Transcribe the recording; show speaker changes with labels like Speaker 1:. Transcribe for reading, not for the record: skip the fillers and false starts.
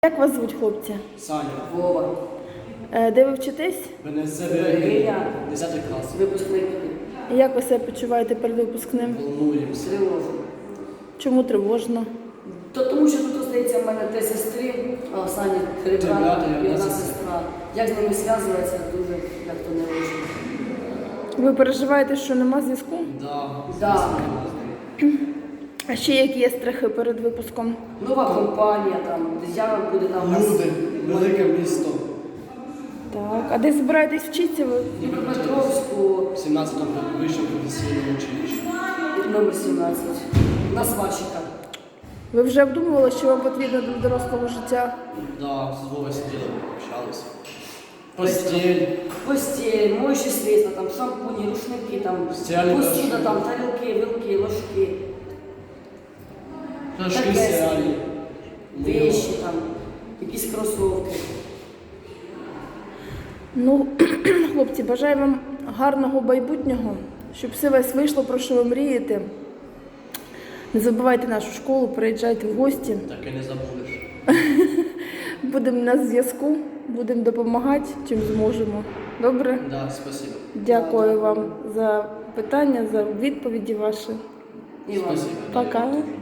Speaker 1: Як вас звуть, хлопці?
Speaker 2: Саня.
Speaker 3: Вова.
Speaker 1: Де ви вчитесь?
Speaker 2: ВНС
Speaker 3: Ілля.
Speaker 2: 10 клас.
Speaker 3: Випускник.
Speaker 1: Як ви себе почуваєте перед випускним?
Speaker 2: Волнуємося.
Speaker 3: Тривожно.
Speaker 1: Чому тривожно?
Speaker 3: Тому що тут, здається, в мене 3 сестри, а Саня 3 брата
Speaker 2: брата
Speaker 3: і одна сестра. Як з ними зв'язуватися, дуже як-то не можу.
Speaker 1: Ви переживаєте, що нема зв'язку?
Speaker 3: Да.
Speaker 1: А ще які є страхи перед випуском?
Speaker 3: Нова компанія, там, дитя буде там. у нас.
Speaker 2: Люди, велике місто.
Speaker 1: Так. А де збираєтесь вчитися ви?
Speaker 3: Дніпропетровську,
Speaker 2: 17-му вищому професійному училищі.
Speaker 3: номер 17. На сварщика.
Speaker 1: Ви вже обдумували, що вам потрібно для дорослого життя?
Speaker 2: Да, з Вовою сиділи, общались. Постель.
Speaker 3: Постель, моющі средства, там, шампуні, рушники, там,
Speaker 2: Стиральний
Speaker 3: посуда,
Speaker 2: порошок.
Speaker 3: там, тарілки, вилки, ложки,
Speaker 2: Пляшки
Speaker 3: Таке
Speaker 2: стиральні.
Speaker 3: вещи, там, якісь кросовки.
Speaker 1: Ну, хлопці, бажаю вам гарного майбутнього, щоб все у вас вийшло, про що ви мрієте. Не забувайте нашу школу, приїжджайте в гості.
Speaker 2: Так і не забудеш.
Speaker 1: Будемо на зв'язку, будемо допомагати, чим зможемо. Добре?
Speaker 2: Да, спасибо.
Speaker 1: Дякую вам за питання, за відповіді ваші.
Speaker 3: І вам.
Speaker 2: Спасибо.
Speaker 1: Пока.